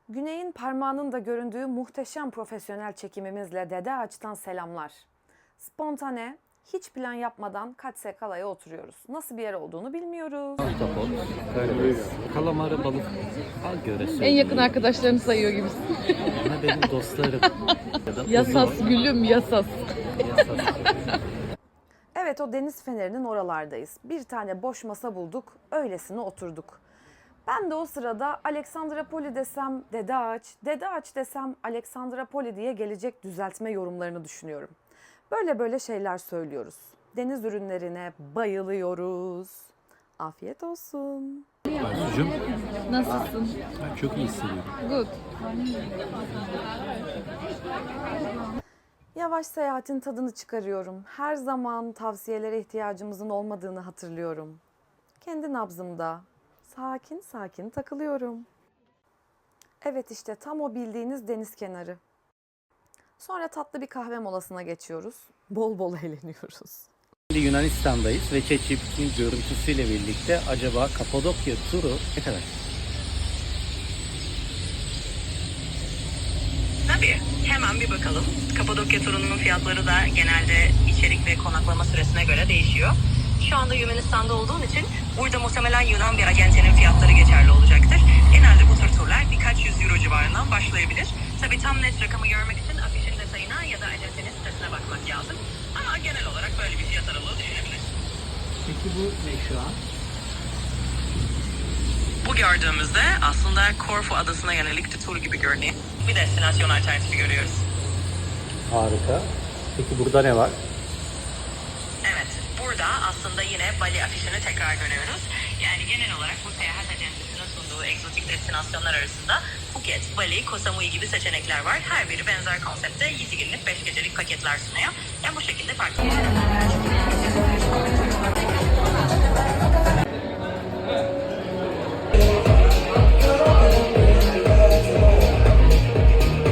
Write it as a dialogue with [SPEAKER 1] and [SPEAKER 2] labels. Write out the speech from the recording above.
[SPEAKER 1] Güney'in parmağının da göründüğü muhteşem profesyonel çekimimizle Dede Ağaç'tan selamlar. Spontane, hiç plan yapmadan Katse Kala'ya oturuyoruz. Nasıl bir yer olduğunu bilmiyoruz.
[SPEAKER 2] Ahtapot, karides, kalamarı, balık. Al göre
[SPEAKER 3] En yakın arkadaşlarını sayıyor gibisin.
[SPEAKER 2] Ama benim dostlarım. Ya da
[SPEAKER 3] Yasas gülüm yasas.
[SPEAKER 2] Yasas.
[SPEAKER 1] Evet, o deniz fenerinin oralardayız. Bir tane boş masa bulduk, öylesine oturduk. Ben de o sırada Aleksandropoli desem Dede Ağaç, Dede Ağaç desem Aleksandropoli diye gelecek düzeltme yorumlarını düşünüyorum. Böyle şeyler söylüyoruz. Deniz ürünlerine bayılıyoruz. Afiyet olsun.
[SPEAKER 2] Aysucuğum,
[SPEAKER 3] Nasılsın?
[SPEAKER 2] ben çok iyi hissediyorum.
[SPEAKER 3] Good.
[SPEAKER 1] Yavaş seyahatin tadını çıkarıyorum. Her zaman tavsiyelere ihtiyacımızın olmadığını hatırlıyorum. Kendi nabzımda sakin sakin takılıyorum. Evet, işte tam o bildiğiniz deniz kenarı. Sonra tatlı bir kahve molasına geçiyoruz. Bol bol eğleniyoruz.
[SPEAKER 2] Şimdi Yunanistan'dayız ve ChatGPT'nin görüntüsüyle birlikte acaba Kapadokya turu ne kadar?
[SPEAKER 4] Tabii. Hemen bir bakalım. Kapadokya turunun fiyatları da genelde içerik ve konaklama süresine göre değişiyor. Şu anda Yunanistan'da olduğun için burada muhtemelen Yunan bir acentenin fiyatları geçerli olacaktır. Genelde bu tür turlar birkaç yüz euro civarından başlayabilir. Tabii tam net rakamı görmek için afişin detayına ya da acentenin sitesine bakmak lazım. Ama genel olarak böyle bir fiyat aralığı düşünebiliriz.
[SPEAKER 2] Peki bu ne şu an?
[SPEAKER 4] Bu gördüğümüzde aslında Korfu adasına yönelik bir tur gibi görünüyor. Bir destinasyon alternatifi görüyoruz.
[SPEAKER 2] Harika. Peki burada ne var?
[SPEAKER 4] Evet, burada aslında yine Bali afişini tekrar görüyoruz. Yani genel olarak bu seyahat acentesinin sunduğu egzotik destinasyonlar arasında Phuket, Bali, Koh Samui gibi seçenekler var. Her biri benzer konsepte 7 günlük 5 gecelik paketler sunuyor. Yani bu şekilde farklı.